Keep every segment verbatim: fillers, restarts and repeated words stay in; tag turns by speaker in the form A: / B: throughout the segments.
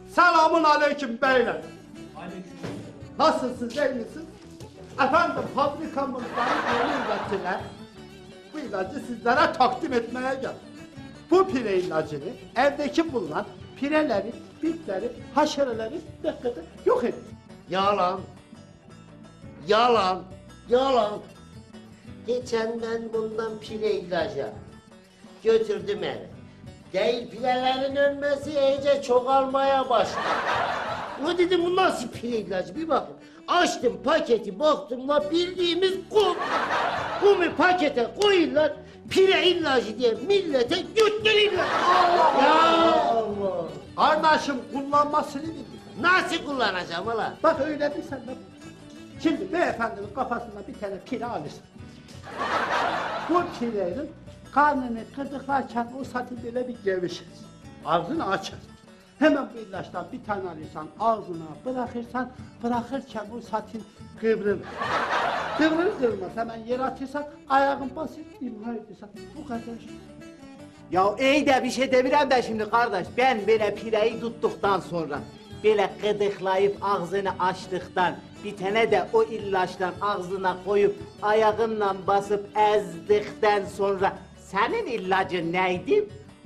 A: Selamun aleyküm beyler.
B: Aleyküm.
A: Nasılsınız, iyi misiniz? Efendim, fabrikamızdan yeni ilacılar, bu ilacı sizlere takdim etmeye geldim. Bu pire ilacını evdeki bulunan pireleri, bitleri, haşereleri dakikada yok edin.
C: Yalan. Yalan. Yalan. Geçen ben bundan pire ilacı götürdüm eve. Değil pirelerin ölmesi iyice çoğalmaya başladı. Ulan dedim bu nasıl pire ilacı bir bakın. Açtım paketi baktım la bildiğimiz kum. Kumu pakete koyuyorlar. Pire ilacı diye millete götürürler. Allah ya. Allah.
A: Kardeşim kullanmasını bilin.
C: Nasıl kullanacağım ulan?
A: Bak öyle bir sen de. Şimdi beyefendinin kafasına bir tane pire alırsın. Bu pirenin karnını kırdıklarken o saati böyle bir gevşer. Ağzını açar. Hemen bu ilaçtan bir tane alırsan ağzına bırakırsan bırakırken o satin kıvrılır. Kıvrılır kıvrılmaz hemen yere atırsan ayağın basit imha edirsen bu kadar.
B: Ya iyi de bir şey demirem de şimdi kardeş. Ben böyle pireyi tuttuktan sonra böyle gıdıklayıp ağzını açtıktan bir tane de o ilaçtan ağzına koyup ayağınla basıp ezdikten sonra senin ilacın neydi?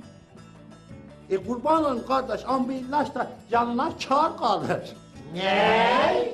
A: E kurban olun kardeş ama bu ilaç da yanına kâr kalır.
C: Ne?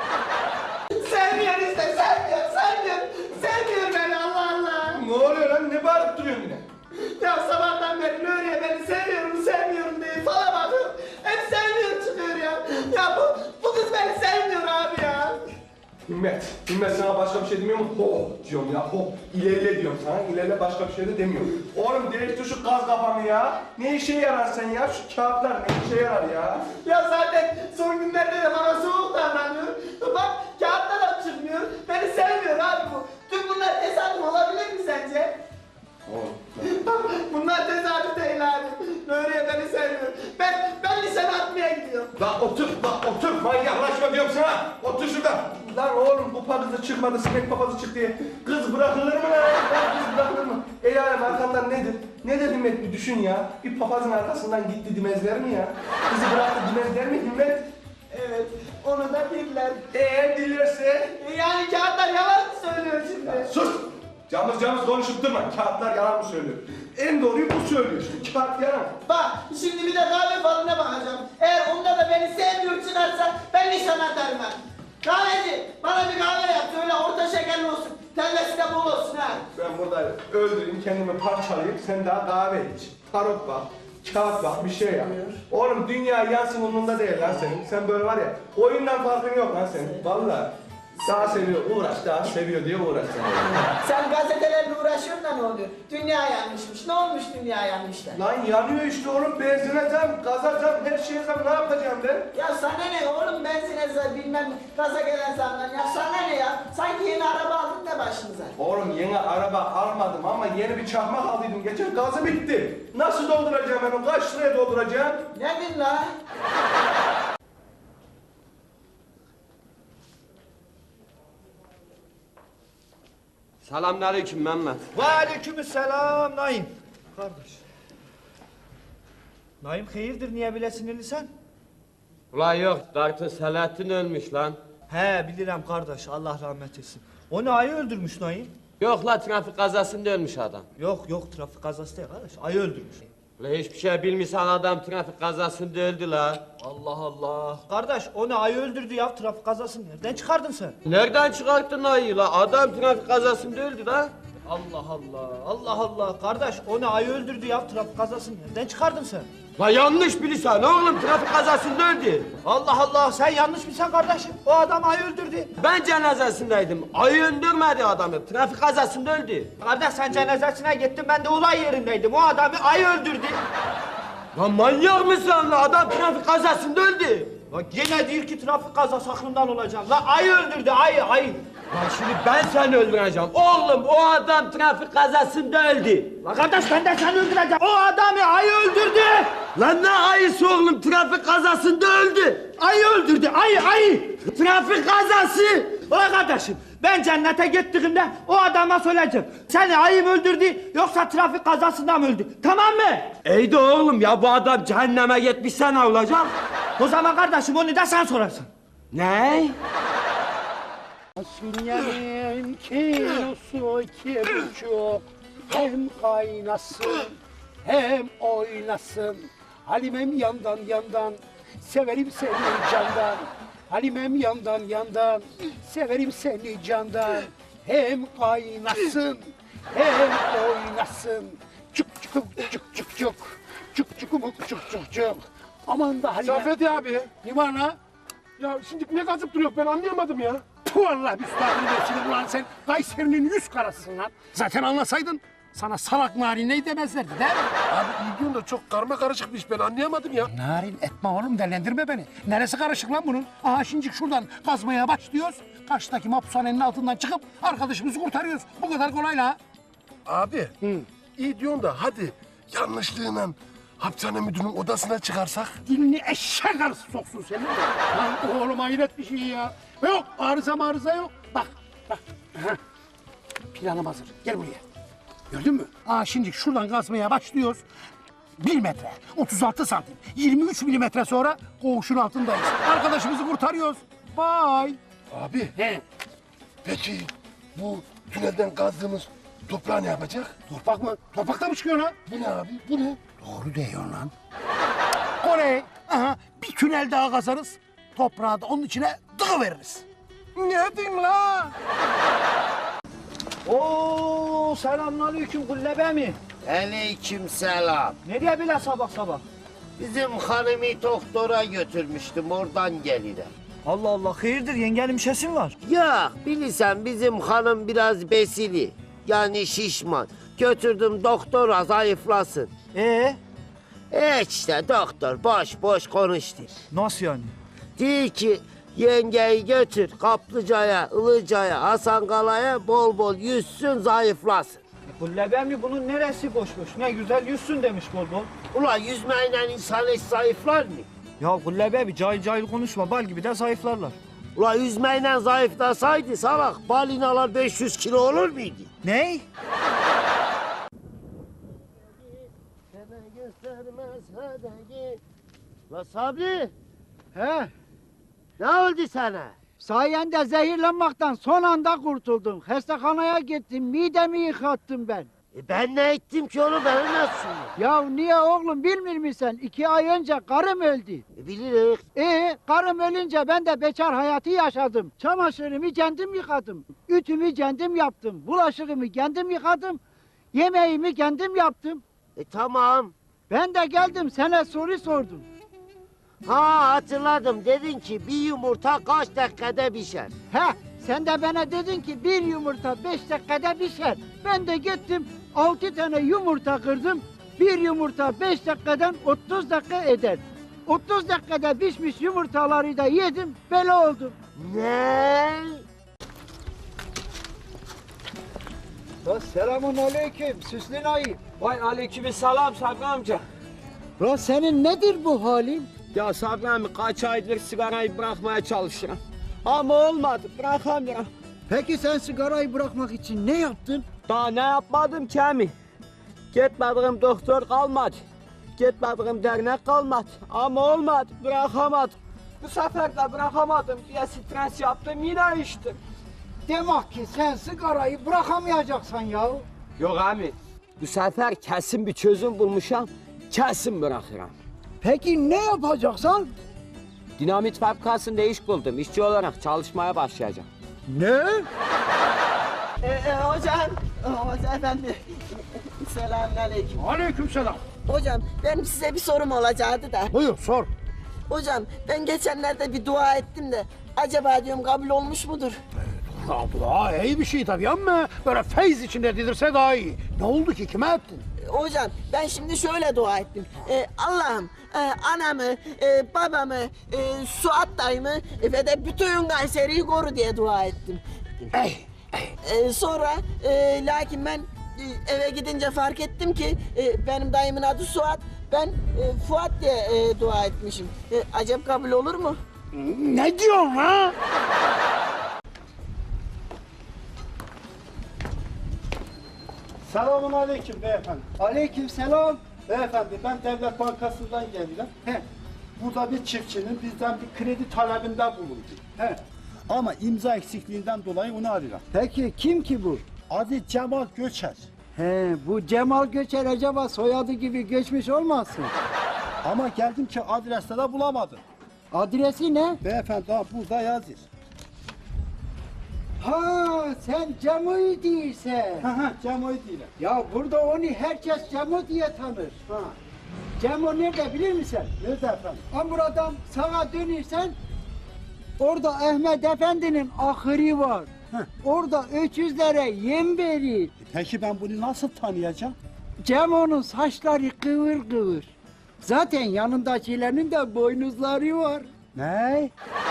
D: Sevmiyor işte, sevmiyor, sevmiyor. Sevmiyor beni Allah Allah.
E: Ne oluyor lan? Ne bağırıp duruyorsun yine?
D: Ya sabahtan beri Nuriye beni seviyorum, sevmiyorum diye fala bakıyor. Hep sevmiyor çıkıyor ya. Ya bu, bu kız beni sevmiyor abi ya.
E: Himmet, Himmet sana başka bir şey demiyor mu? Ho diyorum ya, ho. İlerle diyorum sana, ilerle başka bir şey de demiyorum. Oğlum değiştir şu gaz kafanı ya. Ne işe yarar sen ya? Şu kağıtlar ne işe yarar ya?
D: Ya zaten son günlerde de bana soğuk davranıyor. Bak kağıtta da çıkmıyor. Beni sevmiyor abi bu. Tüm bunlar tesadüf olabilir mi sence?
E: Oğlum.
D: Bunlar tesadüf değil abi. Nuriye beni sevmiyor. Ben, ben lisede atmaya gidiyorum.
E: Lan otur, lan otur. Manyaklaşma diyorum sana. Otur şurada. Lan oğlum bu papazı çıkmadı, sinek papazı çıktı diye. Kız bırakılır mı lan? Lan kız bırakılır mı? El alem arkandan nedir? Ne dedi Himmet bir düşün ya. Bir papazın arkasından gitti dimezler mi ya? Kızı bıraktı dimezler mi Himmet?
D: Evet, onu da bildiler.
E: Eğer dilerse...
D: Yani kağıtlar yalan mı söylüyor şimdi?
E: Sus! Camız camız konuşup durma. Kağıtlar yalan mı söylüyor? En doğruyu bu söylüyor işte. Kağıt yalan.
D: Bak, şimdi bir de kahve falına bakacağım. Eğer onda da beni sevmiyor çıkarsa ben nişan atarım ben. Kahveci, bana bir kahve yap. Öyle orta şekerli olsun. Tellesi de bol olsun ha.
E: Ben burada öldüreyim, kendimi parçalayayım. Sen daha kahve iç. Tarot bak. Kağıt bak, bir şey yap. Oğlum dünya yansın umurunda değil lan senin. Sen böyle var ya, oyundan farkın yok lan senin. Vallahi. Daha seviyor, uğraş, daha seviyor diye uğraş sen.
D: Sen gazetelerle uğraşıyorsun da ne oluyor? Dünya yanmışmış. Ne olmuş dünya yanmış da?
E: Lan yanıyor işte oğlum, benzine zam, gaza zam, her şeye zam, ne yapacağım ben?
D: Ya sana ne oğlum benzine zam bilmem gaza gelen zamdan ya sana ne ya? Sanki yeni araba aldın da başınıza.
E: Oğlum yeni araba almadım ama yeni bir çakmak aldıydım. Geçen gazı bitti. Nasıl dolduracağım ben onu? Kaç liraya dolduracağım?
D: Ne din la?
F: Selamünaleyküm Mehmet.
B: Ve aleykümselam Naim. Kardeş. Naim hayırdır niye bile sinirlisin?
F: Ulan yok, Dartı Selahattin ölmüş lan.
B: He bilirim kardeş Allah rahmet etsin. O ne ayı öldürmüş Naim?
F: Yok la, trafik kazasında ölmüş adam.
B: Yok yok trafik kazası değil kardeş ayı öldürmüş.
F: Ulan hiçbir şey bilmiyorsan adam trafik kazasında öldü la.
B: Allah Allah. Kardeş o ne ayı öldürdü ya trafik kazasını nereden çıkardın sen?
F: Nereden çıkarttın ayı la? Adam trafik kazasında öldü la.
B: Allah Allah Allah Allah. Kardeş o ne ayı öldürdü ya trafik kazasını nereden çıkardın sen?
F: La yanlış bilirsen oğlum, trafik kazasında öldü.
B: Allah Allah sen yanlış bilsen kardeşim. O adam ayı öldürdü.
F: Ben cenazesindeydim. Ayı öldürmedi adamı. Trafik kazasında öldü.
B: Kardeş sen cenazesine gittin ben de olay yerindeydim. O adamı ayı öldürdü.
F: Lan manyak mısın la? Adam trafik kazasında öldü.
B: Lan gene değil ki trafik kazası aklımdan olacağım. Lan ayı öldürdü ayı ayı.
F: Lan şimdi ben seni öldüreceğim. Oğlum o adam trafik kazasında öldü.
B: Lan kardeş ben de seni öldüreceğim. O adamı ayı öldürdü.
F: Lan ne ayısı oğlum, trafik kazasında öldü.
B: Ayı öldürdü ayı ayı.
F: Trafik kazası.
B: Ulan kardeşim ben cennete gittiğimde o adama söyleyeceğim. Seni ayı mı öldürdü yoksa trafik kazasında mı öldü? Tamam mı?
F: İyi de oğlum ya, bu adam cehenneme gitmiş, sen ne olacak? O zaman kardeşim onu da sen sorarsın. Ne?
A: Fasulyenin kilosu iki buçuk. Hem kaynasın hem oynasın. Halimem yandan yandan, severim seni candan. Halimem yandan yandan, severim seni candan. Hem kaynasın hem oynasın. Cuk cuk cuk cuk cuk. Cuk cuk cuk cuk cuk cuk. Aman da Halime.
G: Saffet abi.
A: Ne var lan?
G: Ya şimdi ne kazıp duruyor ben anlayamadım ya.
A: Puh Allah müstahını versin ulan sen Kayseri'nin yüz karasısın lan. Zaten anlasaydın sana salak narin ne demezlerdi değil mi?
G: Abi iyi diyorsun da çok karma karışık bir iş ben anlayamadım ya.
A: Narin etme oğlum delendirme beni. Neresi karışık lan bunun? Aha şimdi şuradan kazmaya başlıyoruz. Karşıdaki mahpushanenin altından çıkıp arkadaşımızı kurtarıyoruz. Bu kadar kolay la.
G: Abi iyi diyorsun da hadi yanlışlığıyla hapishane müdürünün odasına çıkarsak.
A: Dilini eşek arısı soksun senin de. Lan oğlum hayret bir şey ya. Yok arıza marıza yok. Bak bak. Aha. Planım hazır. Gel buraya. Gördün mü? Aa şimdi şuradan kazmaya başlıyoruz. Bir metre, otuz altı santim, yirmi üç milimetre sonra koğuşun altındayız. Arkadaşımızı kurtarıyoruz. Bye.
G: Abi
A: He.
G: peki bu tünelden kazdığımız toprağı ne yapacak?
A: Toprak mı? Toprakta mı çıkıyor lan?
G: Bu ne abi bu ne?
A: Doğru diyorsun lan. Kore. Aha bir tünel daha kazarız. Toprağı da onun içine veririz.
G: Ne diyorsun la?
F: Oo, selamünaleyküm Kullebe mi?
C: Aleyküm selam.
F: Nereye bile sabah sabah?
C: Bizim hanımı doktora götürmüştüm, oradan gelirim.
F: Allah Allah, hayırdır yengenin bir şeysi mi var?
C: Ya bilirsen bizim hanım biraz besili. Yani şişman. Götürdüm doktora zayıflasın.
F: Ee,
C: E işte doktor boş boş konuştu.
F: nasıl yani?
C: Diyor ki yengeyi götür Kaplıca'ya, Ilıca'ya, Hasankala'ya bol bol yüzsün zayıflasın.
F: E, Kullebe mi bunun neresi boş boş? Ne güzel yüzsün demiş bol bol.
C: Ulan yüzmeyle insan hiç zayıflar mı?
F: Ya Kullebe bir cahil cahil konuşma, bal gibi de zayıflarlar.
C: Ulan yüzmeyle zayıflasaydı salak balinalar beş yüz kilo olur muydu?
F: Ney?
C: La Sabri
H: He,
C: ne oldu sana?
H: sayende zehirlenmekten son anda kurtuldum. Hastahaneye gittim, midemi yıkattım ben.
C: E ben ne ettim ki onu bana nasıl?
H: Ya niye oğlum bilmiyor musun? İki ay önce karım öldü.
C: E bilirik.
H: Ee, karım ölünce ben de bekar hayatı yaşadım. Çamaşırımı kendim yıkadım. Ütümü kendim yaptım. Bulaşığımı kendim yıkadım. Yemeğimi kendim yaptım.
C: E tamam.
H: Ben de geldim sana soru sordum.
C: Ha hatırladım dedin ki bir yumurta kaç dakikada pişer?
H: He, sen de bana dedin ki bir yumurta beş dakikada pişer. Ben de gittim altı tane yumurta kırdım. Bir yumurta beş dakikadan otuz dakika eder. otuz dakikada pişmiş yumurtaları da yedim, böyle oldum.
C: Ne?
H: Selamun aleyküm, süslü naim.
F: Vay aleykümselam Sabri amca.
H: La senin nedir bu halin?
F: Ya Sabri amca kaç aydır sigarayı bırakmaya çalışıyorum. Ama olmadı, bırakamıyorum.
H: Peki sen sigarayı bırakmak için ne yaptın?
F: Daha ne yapmadım ki emi? Gitmediğim doktor kalmadı. Gitmediğim dernek kalmadı. Ama olmadı, bırakamadım. Bu sefer de bırakamadım diye stres yaptım, yine içtim.
H: Demek ki sen sigarayı bırakamayacaksın ya.
F: Yok abi, bu sefer kesin bir çözüm bulmuşam, kesin bırakırım.
H: Peki ne yapacaksın?
F: Dinamit fabrikasında iş buldum, işçi olarak çalışmaya başlayacağım.
H: Ne?
D: Ee, e, hocam, hocam efendi. Selamünaleyküm.
A: Aleykümselam.
D: Hocam benim size bir sorum olacaktı da.
A: Buyur sor.
D: Hocam ben geçenlerde bir dua ettim de acaba diyorum kabul olmuş mudur?
A: Ya dua iyi bir şey tabii ama böyle feyz içinde dedirse daha iyi. Ne oldu ki kime ettin?
D: Ee, Hocam ben şimdi şöyle dua ettim. Ee, Allah'ım e, anamı, e, babamı, e, Suat dayımı e, ve de bütün Kayseri'yi koru diye dua ettim.
A: Ey,
D: Ee, sonra e, lakin ben e, eve gidince fark ettim ki e, benim dayımın adı Suat. Ben e, Fuat diye e, dua etmişim. E, acaba kabul olur mu?
A: ne diyorsun ha? Selamun aleyküm beyefendi.
H: Aleyküm selam.
A: Beyefendi ben Devlet Bankası'ndan geliyorum. He, bu burada bir çiftçinin bizden bir kredi talebinde bulundu. He. Ama imza eksikliğinden dolayı onu arıyor.
H: Peki kim ki bu?
A: Adı Cemal Göçer.
H: He, bu Cemal Göçer acaba soyadı gibi göçmüş olmasın?
A: Ama geldim ki adreste de bulamadım.
H: Adresi ne?
A: Beyefendi ha burada yazıyor.
H: Ha, sen Cemo'yu değilsen.
A: Ha ha Cemal değil.
H: Ya burada onu herkes Cemo diye tanır.
A: Ha.
H: Cemo nerede bilir misin?
A: Nerede efendim?
H: Ha buradan sağa dönürsen orada Ahmet Efendi'nin ahırı var.
A: Heh.
H: Orada öküzlere yem verir.
A: Peki ben bunu nasıl tanıyacağım?
H: Cemo'nun saçları kıvır kıvır. Zaten yanındakilerinin de boynuzları var.
A: Ne?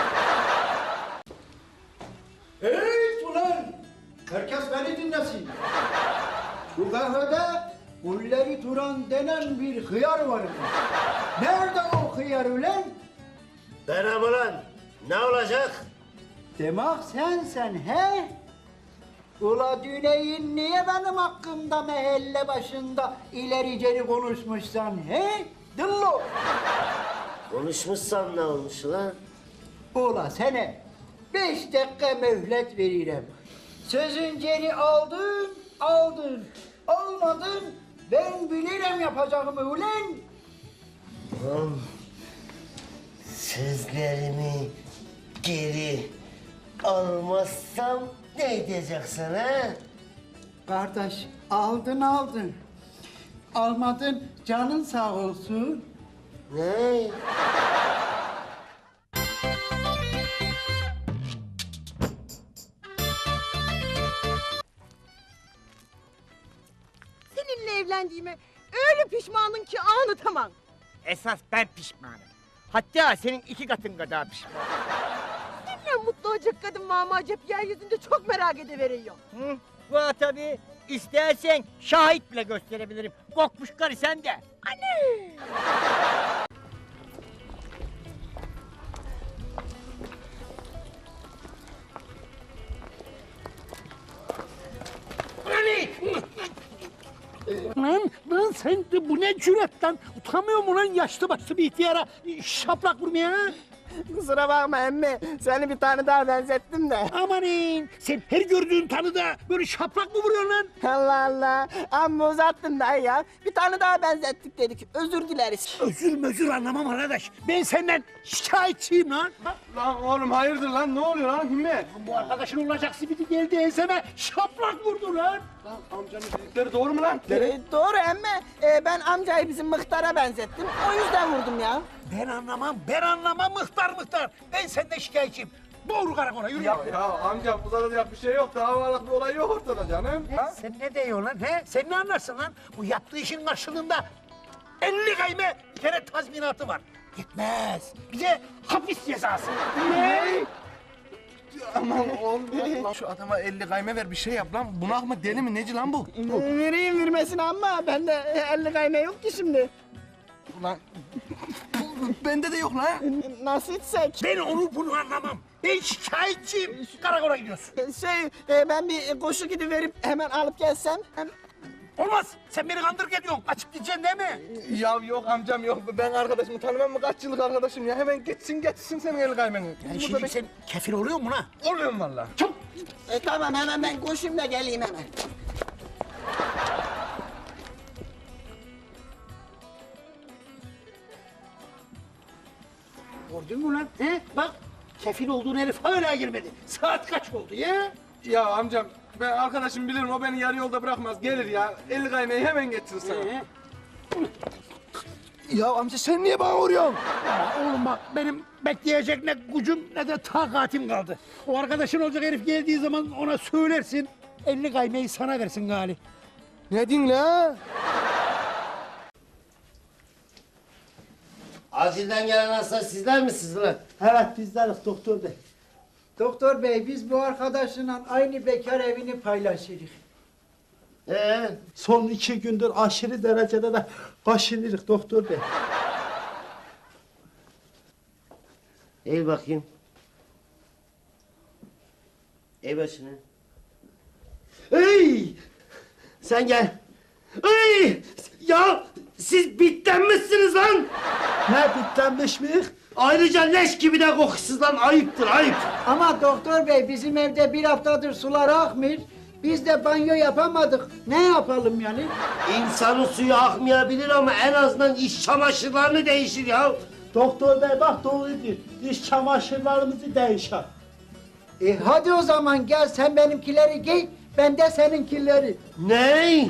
H: Hey ulan! Herkes beni dinlesin. Bu kahvede Gulleri Turan denen bir hıyar var. Nerede o hıyar ulan?
C: Benim ulan. Ne olacak?
H: Demek sensen he? Ula Düneyin niye benim hakkımda mahalle başında ileri geri konuşmuşsan he? Dillo!
C: Konuşmuşsam ne olmuş lan?
H: Ula sana beş dakika mühlet veririm. Sözün geri aldın, aldın. Almadın, ben bilirim yapacağımı ulan.
C: Lan sözlerimi geri almazsam ne edeceksin ha?
H: Kardeş, aldın aldın. Almadın, canın sağ olsun.
C: Ne?
I: Seninle evlendiğime öyle pişmanım ki anlatamam.
F: Esas ben pişmanım. Hatta senin iki katın kadar pişman.
I: Seninle mutlu olacak kadın mama acep yeryüzünde çok merak ediveriyor.
F: Hı? Bu tabii. İstersen şahit bile gösterebilirim. Kokmuş karı sen de.
I: Anne!
A: Lan, lan sen de bu ne cüret lan? Utanmıyor mu lan yaşlı başlı bir ihtiyara şaplak vurmaya ha?
F: Kusura bakma emmi. Seni bir tane daha benzettim de.
A: Amanin sen her gördüğün tanıda böyle şaplak mı vuruyorsun lan?
F: Allah Allah. Amma uzattın dayı ya. Bir tane daha benzettik dedik. Özür dileriz.
A: Özür mözür anlamam arkadaş. Ben senden şikayetçiyim lan.
E: Lan oğlum hayırdır lan? Ne oluyor lan Himmet?
A: Bu arkadaşın olacak simidi geldi enseme şaplak vurdu lan.
E: Lan amcanın dedikleri doğru mu lan?
F: Ee, doğru emmi. Ee, ben amcayı bizim Mıhtar'a benzettim. O yüzden vurdum ya.
A: Ben anlamam, ben anlamam mıhtar mıhtar. Ben senden şikayetçiyim. Doğru karakola yürü.
E: Ya, ya amca uzatacak bir şey yok. Davalık bir olay yok ortada canım. Ha?
A: Sen ne diyorsun lan he? Sen ne anlarsın lan? Bu yaptığı işin karşılığında elli kayme bir kere tazminatı var. Yetmez. Bize hapis cezası. Ne?
E: Aman oğlum lan şu adama elli kayme ver bir şey yap lan. Bunak mı deli mi neci lan bu?
F: Ee, vereyim vermesine ama bende elli kayme yok ki şimdi.
E: Ulan bende de yok lan.
F: Nasıl içsek?
A: Ben onu bunu anlamam. Ben şikayetçiyim. Karakola gidiyorsun.
F: Şey, e, ben bir koşu gidiverip hemen alıp gelsem. Hem...
A: Olmaz. Sen beni kandırık ediyorsun. Kaçıp gideceksin değil mi?
E: Ya yok amcam yok. Ben arkadaşımı tanımam mı? Kaç yıllık arkadaşım ya. Hemen geçsin geçsin senin el kaymeni.
A: Yani
E: Burada
A: şimdi
E: bek-
A: sen kefil oluyor mu lan?
E: Oluyorum valla.
A: Çok.
F: E, tamam hemen ben koşayım da geleyim hemen.
A: Gördün mü lan? He? Bak kefil olduğun herif hala girmedi. Saat kaç oldu ya?
E: Ya amcam ben arkadaşım bilirim o beni yarı yolda bırakmaz. Gelir ya. El kaymayı hemen geçsin sana.
A: Ee?
E: Ya amca sen niye bana vuruyorsun?
A: Ya oğlum bak benim bekleyecek ne gücüm ne de takatim kaldı. O arkadaşın olacak herif geldiği zaman ona söylersin. elli kaymayı sana versin gali.
E: Ne diyorsun la?
C: Acilden gelen hasta sizler misiniz lan?
A: Evet bizleriz doktor bey.
H: Doktor bey biz bu arkadaşla aynı bekar evini paylaşırız.
C: Ee?
A: Son iki gündür aşırı derecede de kaşınırız doktor bey.
C: Eğil bakayım. Eğil başını. Ey! Sen gel. Ey! Ya siz bitten misiniz lan?
A: Ne bitlenmiş mi? Ayrıca leş gibi de kokusuz lan, ayıptır ayıp.
H: Ama doktor bey bizim evde bir haftadır sular akmıyor. Biz de banyo yapamadık. Ne yapalım yani?
C: İnsanın suyu akmayabilir ama en azından iç çamaşırlarını değişir ya.
A: Doktor bey bak doğru diyor. İş çamaşırlarımızı değişer.
H: E hadi o zaman gel sen benimkileri giy, ben de seninkileri.
C: Ne?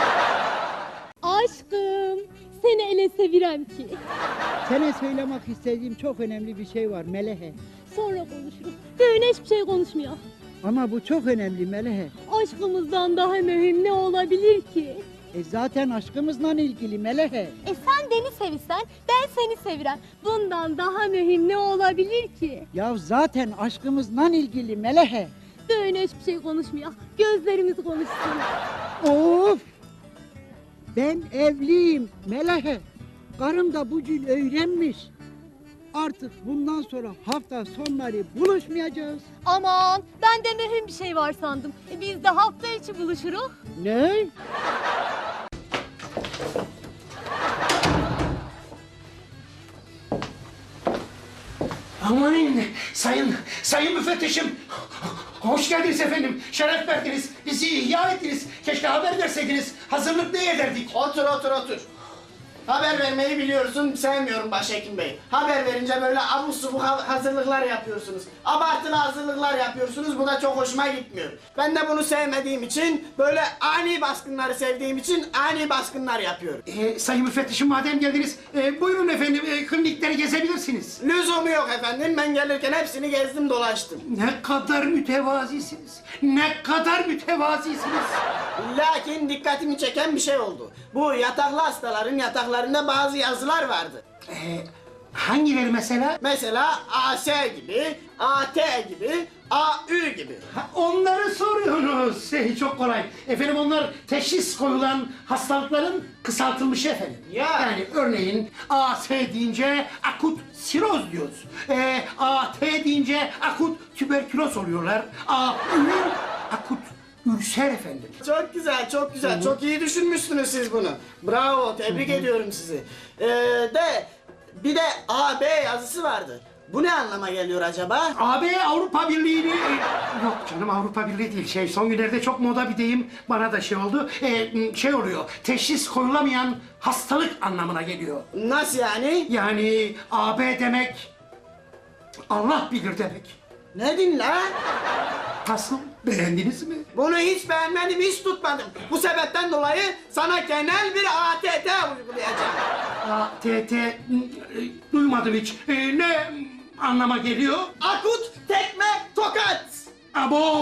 J: Aşkım, seni ele sevirem ki.
H: Sana söylemek istediğim çok önemli bir şey var Melehe.
J: Sonra konuşuruz. Düğün hiçbir şey konuşmuyor.
H: Ama bu çok önemli Melehe.
J: Aşkımızdan daha mühim ne olabilir ki?
H: E zaten aşkımızla ilgili Melehe.
J: E sen beni sevirsen, ben seni sevirem. Bundan daha mühim ne olabilir ki?
H: Ya zaten aşkımızla ilgili Melehe.
J: Düğün hiçbir şey konuşmuyor. Gözlerimiz konuşsun.
H: Of! Ben evliyim Melehe. Karım da bugün öğrenmiş. Artık bundan sonra hafta sonları buluşmayacağız.
J: Aman, ben de mühim bir şey var sandım. E biz de hafta içi buluşuruz.
H: Ne?
K: Amanın sayın, sayın müfettişim. Hoş geldiniz efendim. Şeref verdiniz. Bizi ihya ettiniz. Keşke haber verseydiniz. Hazırlık ne ederdik?
D: Otur otur otur. Haber vermeyi biliyorsun, sevmiyorum Başhekim Bey. Haber verince böyle abuk subuk ha- hazırlıklar yapıyorsunuz. Abartılı hazırlıklar yapıyorsunuz, bu da çok hoşuma gitmiyor. Ben de bunu sevmediğim için, böyle ani baskınları sevdiğim için ani baskınlar yapıyorum.
K: Ee, sayın müfettişim madem geldiniz, e, buyurun efendim e, klinikleri gezebilirsiniz.
D: Lüzumu yok efendim, ben gelirken hepsini gezdim dolaştım.
K: Ne kadar mütevazisiniz. Ne kadar mütevazisiniz.
D: Lakin dikkatimi çeken bir şey oldu. Bu yataklı hastaların yataklarında bazı yazılar vardı.
K: Ee, hangileri mesela?
D: Mesela A S gibi, A T gibi, A Ü gibi.
K: Ha, onları soruyorsunuz. Şey, çok kolay. Efendim onlar teşhis koyulan hastalıkların kısaltılmışı efendim.
D: Ya.
K: Yani örneğin A S deyince akut siroz diyoruz. Ee, A T deyince akut tüberküloz oluyorlar. A Ü akut ülser efendim.
D: Çok güzel, çok güzel. Çok iyi düşünmüşsünüz siz bunu. Bravo, tebrik ediyorum sizi. Ee, de bir de A B yazısı vardı. Bu ne anlama geliyor acaba?
K: A B Avrupa Birliği'ni... Yok canım Avrupa Birliği değil. Şey son günlerde çok moda bir deyim. Bana da şey oldu. Ee, şey oluyor. Teşhis koyulamayan hastalık anlamına geliyor.
D: Nasıl yani?
K: Yani A B demek Allah bilir demek.
D: Ne din la?
K: Nasıl? Beğendiniz mi?
D: Bunu hiç beğenmedim, hiç tutmadım. Bu sebepten dolayı sana genel bir A T T uygulayacağım.
K: A T T e, duymadım hiç. E, ne anlama geliyor?
D: Akut tekme tokat.
K: Abo!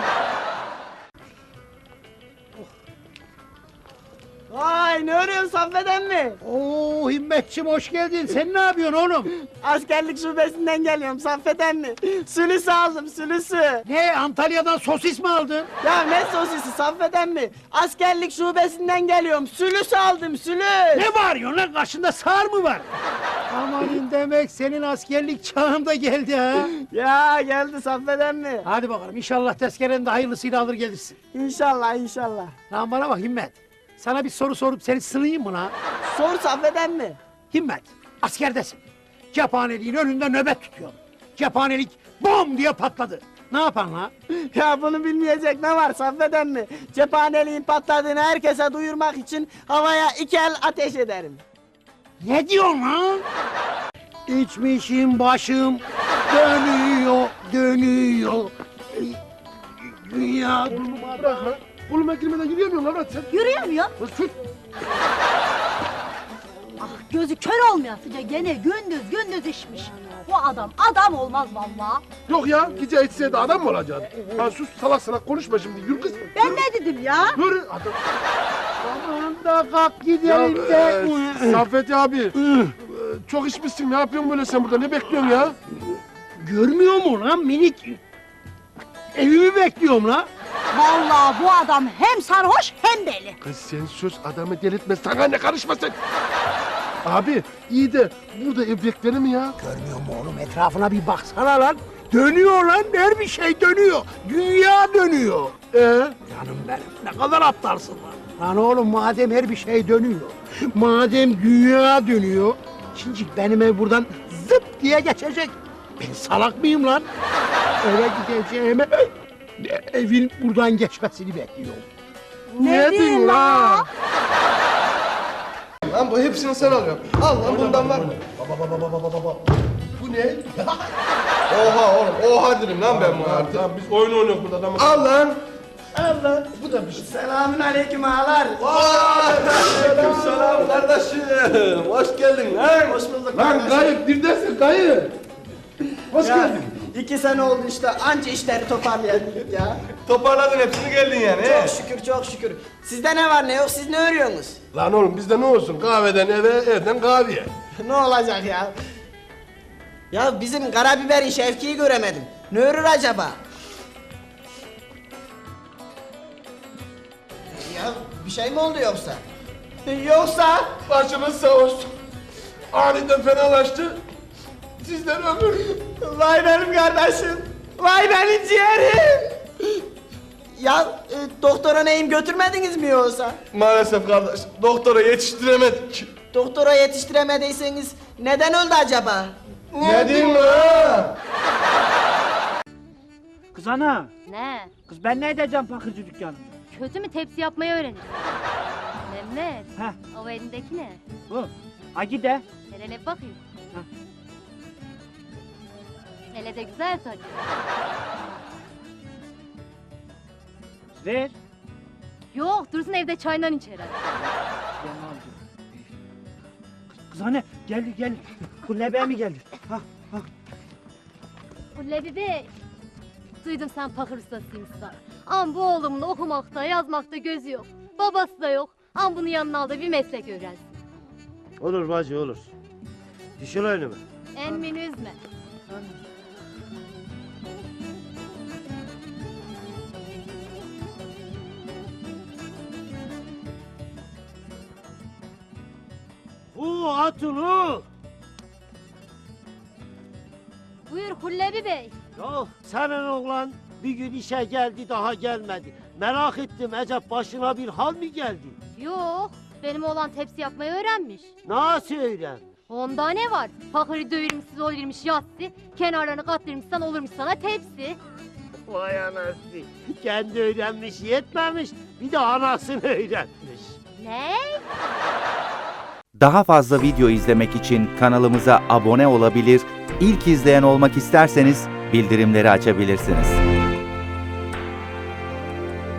D: Vay ne arıyorsun Saffet'en mi?
A: Oo Himmetçim hoş geldin. Sen ne yapıyorsun oğlum?
D: Askerlik şubesinden geliyorum Saffet'en mi? Sülüsü aldım sülüsü.
A: Ne Antalya'dan sosis mi aldın?
D: Ya ne sosisi Saffet'en mi? Askerlik şubesinden geliyorum. Sülüs aldım sülüs.
A: Ne bağırıyorsun lan? Karşında sağır mı var? Amanın demek senin askerlik çağında geldi ha.
D: Ya geldi Saffet'en mi?
A: Hadi bakalım inşallah tezkereni de hayırlısıyla alır gelirsin.
D: İnşallah inşallah.
A: Lan bana bak Himmet. Sana bir soru sorup seni sınayım mı lan?
D: Sor Saffet'en mi?
A: Himmet, askerdesin. Cephaneliğin önünde nöbet tutuyorsun. Cephanelik bom diye patladı. Ne yapan lan?
D: Ya bunu bilmeyecek ne var Saffet'en mi? Cephaneliğin patladığını herkese duyurmak için havaya iki el ateş ederim.
A: Ne diyorsun lan? İçmişim başım dönüyor, dönüyor. Dünya duruma
G: Bırak lan. Koluma girmeden yürüyemiyorsun lan sen.
I: Yürüyemiyor.
G: Lan sus.
I: Ah gözü kör olmayasıca gene gündüz gündüz işmiş. Bu adam adam olmaz vallahi.
G: Yok ya gece içseydi adam mı olacaksın? Ha sus salak salak konuşma şimdi yürü kız.
I: Ben ne dedim ya?
G: Yürü adam.
A: Aman da kalk gidelim
G: Ya,
A: de.
G: e, Saffet abi. e, çok içmişsin ne yapıyorsun böyle sen burada ne bekliyorsun ya?
A: Görmüyor mu lan minik? Evimi bekliyorum lan.
I: Vallahi bu adam hem sarhoş hem deli.
G: Kız sen sus adamı delirtme sana ne karışma sen. Abi iyi de burada ev beklenir mi ya?
A: Görmüyor mu oğlum etrafına bir baksana lan. Dönüyor lan her bir şey dönüyor. Dünya dönüyor.
G: Ee?
A: Canım benim ne kadar aptalsın lan. Lan oğlum madem her bir şey dönüyor. Madem dünya dönüyor.
K: Şimdi benim ev buradan zıp diye geçecek. Ben salak mıyım lan? Eve gideceğime evin buradan geçmesini bekliyorum.
I: Ne diyorsun la?
E: Lan bu hepsini sen alıyorsun. Al lan bundan var.
G: Baba baba baba baba baba. Bu ne?
E: Oha oğlum, oha dedim lan ben bu artık.
G: Lan biz oyun oynuyoruz burada adamı.
E: Al lan.
G: Al lan. Bu da bir şey.
D: Selamün aleyküm ağalar.
E: Aleyküm selam kardeşim. Hoş geldin lan.
D: Hoş bulduk.
G: Lan
D: kardeşim.
G: kayıp neredesin kayıp? Hoş
D: Ya,
G: geldin.
D: iki sene oldu işte anca işleri toparlayabildik ya.
E: Toparladın hepsini geldin yani. he?
D: Çok şükür çok şükür. Sizde ne var ne yok siz ne örüyorsunuz?
G: Lan oğlum bizde ne olsun? Kahveden eve, evden kahveye.
D: Ne olacak ya? Ya bizim Karabiber'in Şevki'yi göremedim. Ne örür acaba? Ya bir şey mi oldu yoksa? Yoksa?
G: Başımız sağ olsun. Aniden fenalaştı. Sizden ömür.
D: Vay benim kardeşim. Vay benim ciğerim. Ya e, doktora neyim götürmediniz mi yoksa?
E: Maalesef kardeş, doktora yetiştiremedik.
D: Doktora yetiştiremediyseniz neden öldü acaba?
E: Ne diyeyim lan?
H: Kız ana,
I: Ne?
H: kız ben ne edeceğim bakırcı dükkanında?
I: Kötü mü tepsi yapmayı öğrenirsin? Mehmet,
H: Heh.
I: o elindeki ne?
H: Bu, Agi de.
I: Hele hele bakayım.
H: Heh.
I: Hele de güzel tabii.
H: Ver.
I: Yok, dursun evde çayından içer. hadi.
H: Ben alacağım. Kız anne, geldi geldi. Bu lebeğe mi geldi? Ha, ha.
I: Lebi Bey, duydum sen pakır ustasıymışsın. Ama bu oğlumun okumakta, yazmakta gözü yok. Babası da yok. Ama bunu yanına al da bir meslek öğrensin.
C: Olur bacı olur. Düşün önüme.
I: Emmini üzme.
C: Hu hatunu.
I: Buyur Hullebi Bey.
C: Ya senin oğlan bir gün işe geldi daha gelmedi. Merak ettim acaba başına bir hal mi geldi?
I: Yok, benim oğlan tepsi yapmayı öğrenmiş.
C: Nasıl öğren?
I: Onda ne var? Fakırı dövülmüşsüz olurmuş yassı, kenarlarını kattırmışsan olurmuş sana tepsi.
C: Vay anası. Kendi öğrenmiş yetmemiş. Bir de anasını öğrenmiş.
I: Ne?
L: Daha fazla video izlemek için kanalımıza abone olabilir, ilk izleyen olmak isterseniz bildirimleri açabilirsiniz.